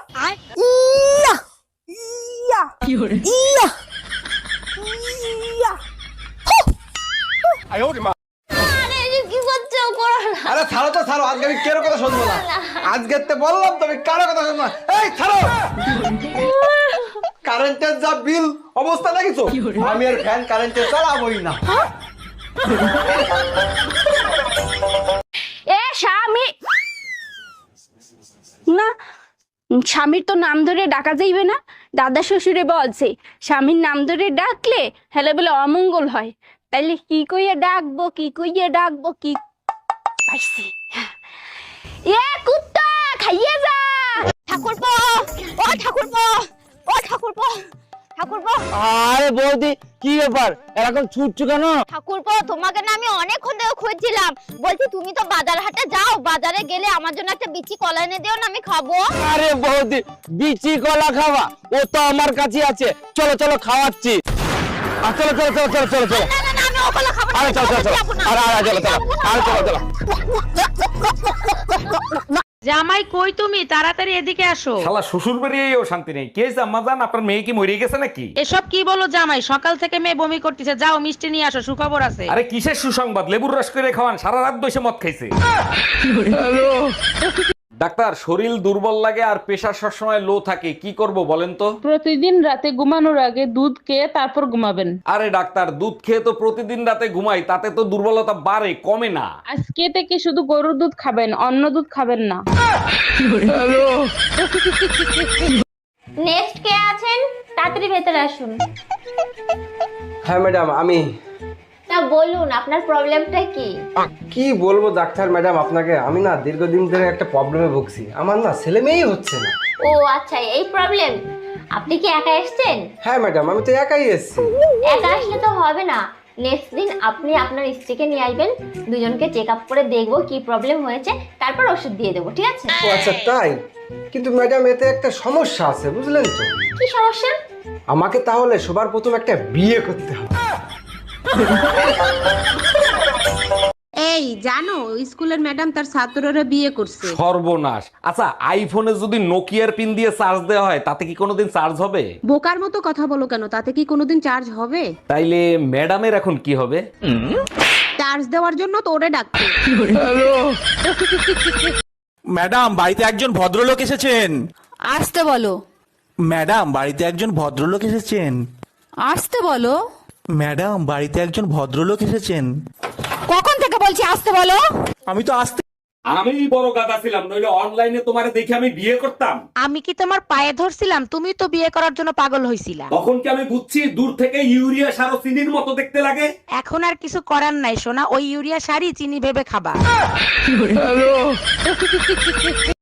ইয়া ইয়া ইয়া ইয়া কি করছো? করো না। আরে ছাড়ো তো ছাড়ো, আজকে আমি কেরো কথা শুনবো না। আজকে তো বললাম তুমি কারো কথা শুনবো না। এই ছাড়ো, কারেন্টের যা বিল অবস্থা দেখিছো, আমি আর ফ্যান কারেন্টে চালাবোই না। এ স্বামী না, স্বামীর তো নাম ধরে ডাকা যাইবে না। দাদা শ্বশুরে বলছে স্বামীর নাম ধরে ডাকলে হেলে বলে অমঙ্গল হয়। তাইলে কি কইয়া ডাকবো, কি কইয়া ডাকবো, কি পাইছি। এ কুত্তা খাইয়ে যা। ঠাকুরপো, ও ঠাকুরপো, ও ঠাকুরপো, ঠাকুরপো। আরে বৌদি কি ব্যাপার, এরকম ছুটছো কেন? ঠাকুরপো, তোমাকে না আমি অনেকক্ষণ ধরে খুঁজছিলাম। বলছি তুমি তো বাজার হাটে যাও, বাজারে গেলে আমার জন্য একটা বিচি কলা এনে দিও না, আমি খাবো। আরে বৌদি বিচি কলা খাওয়া, ও তো আমার কাছে আছে। চলো চলো খাওয়াচ্ছি। চলো চলো চলো চলো চলো চলো। না না না, আমি ও কলা খাবো না। আরে চলো চলো চলো। আরে আরে চলো চলো। আরে চলো চলো। জামাই কই তুমি? তাড়াতাড়ি এদিকে আসো। শালা শ্বশুর বাড়িয়েও শান্তি নেই। কে আম্মা জান, আপনার মেয়ে কি মরে গেছে নাকি? এসব কি বলো জামাই? সকাল থেকে মেয়ে বমি করতেছে, যাও মিষ্টি নিয়ে আসো, সুখবর আছে। আরে কিসের সুসংবাদ? লেবুর রস করে খাওয়ান, সারা রাত বসে মদ খাইছে। ডাক্তার, শরীর দুর্বল লাগে আর প্রেশার সবসময় লো থাকে, কি করব বলেন তো? প্রতিদিন রাতে ঘুমানোর আগে দুধ খেয়ে তারপর ঘুমাবেন। আরে ডাক্তার, দুধ খেয়ে তো প্রতিদিন রাতে ঘুমাই, তাতে তো দুর্বলতা বাড়ে কমে না। আজকে থেকে শুধু গরুর দুধ খাবেন, অন্য দুধ খাবেন না। নেক্সট কে আছেন? তাড়াতাড়ি ভেতরে আসুন। হ্যাঁ ম্যাডাম, আমি। তা বলুন আপনার প্রবলেমটা কি? কি বলবো ডাক্তার ম্যাডাম আপনাকে, আমি না দীর্ঘদিন ধরে একটা প্রবলেমে ভুগছি। আমার না ছেলে মেয়েই হচ্ছে না। ও আচ্ছা, এই প্রবলেম। আপনি কি একা এসেছেন? হ্যাঁ ম্যাডাম, আমি তো একাই এসেছি। একা আসলে তো হবে না। নেক্সট দিন আপনি আপনার স্ত্রীকে নিয়ে আসবেন, দুজনকে চেক আপ করে দেখবো কি প্রবলেম হয়েছে, তারপর ওষুধ দিয়ে দেবো, ঠিক আছে? ও আচ্ছা তাই? কিন্তু ম্যাডাম এতে একটা সমস্যা আছে, বুঝলেন তো? কি সমস্যা? আমাকে তাহলে সবার প্রথম একটা বিয়ে করতে হবে। এই জানো, স্কুলের ম্যাডাম তার ছাত্ররা বিয়ে করছে। সর্বনাশ। আচ্ছা, আইফোনে যদি নোকিয়ার পিন দিয়ে চার্জ দেওয়া হয়, তাতে কি কোনোদিন চার্জ হবে? বোকার মতো কথা বলো কেন? তাতে কি কোনোদিন চার্জ হবে? তাইলে ম্যাডামের এখন কি হবে? চার্জ দেওয়ার জন্য তো ওরে ডাকছে। ম্যাডাম, বাড়িতে একজন ভদ্রলোক এসেছেন। আসতে বলো। ম্যাডাম, বাড়িতে একজন ভদ্রলোক এসেছেন। আসতে বলো। ম্যাডাম, বাড়িতে একজন ভদ্রলোক এসেছেন। কখন থেকে বলছি আসতে বলো? আমি তো আসতে। আমি বড় গাদা ছিলাম, নইলে অনলাইনে তোমারে দেখে আমি বিয়ে করতাম। আমি কি তোমার পায়ে ধরছিলাম? তুমি তো বিয়ে করার জন্য পাগল হইছিলা। তখন কি আমি বুঝছি দূর থেকে ইউরিয়া সার ও চিনির মতো দেখতে লাগে? এখন আর কিছু করার নাই সোনা, ওই ইউরিয়া সারই চিনি ভেবে খাবা।